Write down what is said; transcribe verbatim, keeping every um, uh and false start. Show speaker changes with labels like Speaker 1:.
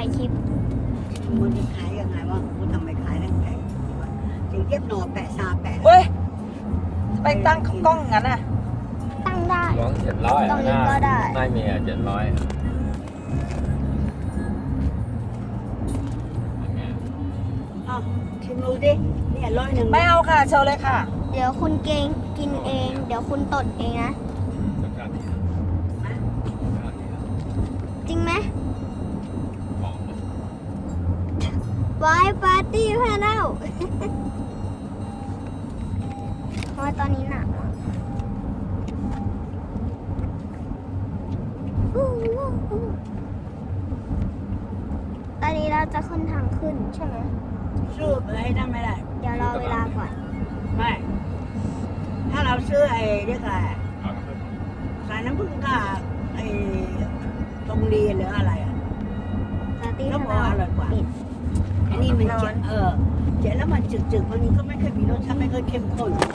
Speaker 1: ายคลิป
Speaker 2: มันจะขายยังไงวะกูทำไมขายนั่งแพงถึงเย็บหนอแปะซาแปะ
Speaker 3: เว้ยไปตั้งกล้องงั้นอ่ะ
Speaker 1: ตั้งได้
Speaker 4: ร้องเจ็ดร้อย
Speaker 1: ตรงนี้ก็ได้
Speaker 4: ไม่มีอ่ะเจ็ดร้อย
Speaker 2: อ้าวชิมดูดิเนี่ยร้อยหนึ่ง
Speaker 3: ไม่เอาค่ะเชิญเลยค่ะ
Speaker 1: เดี๋ยวคุณเกงกินเอง เดี๋ยวคุณตดเองนะ จริงไหมวายปาร์ตี้พาเล่าเพราะว่าตอนนี้หนักมากอู้อู้อู้ตอนนี้เราจะขึ้นทางขึ้นใช่ไหม
Speaker 2: ซื้อไปให้นั่นไม่ได้
Speaker 1: เดี๋ยวรอเวลาก่อน
Speaker 2: ไม่ ถ้าเราซื้อไอ้เรียกอะไรสายน้ำผึ้งกับไอ้ตรงเรียนหรืออะไรอ่ะ
Speaker 1: ปาร์ตี้
Speaker 2: แล้ว
Speaker 1: พา
Speaker 2: พอ
Speaker 1: เล่า
Speaker 2: อร่อยกว่า
Speaker 1: ปิด
Speaker 2: อันนี้มันเจ็บเออเจ็บแล้วมันจึกๆวันนี้ก็ไม่เคยมีรสชาติไม่เคยเข้มข้น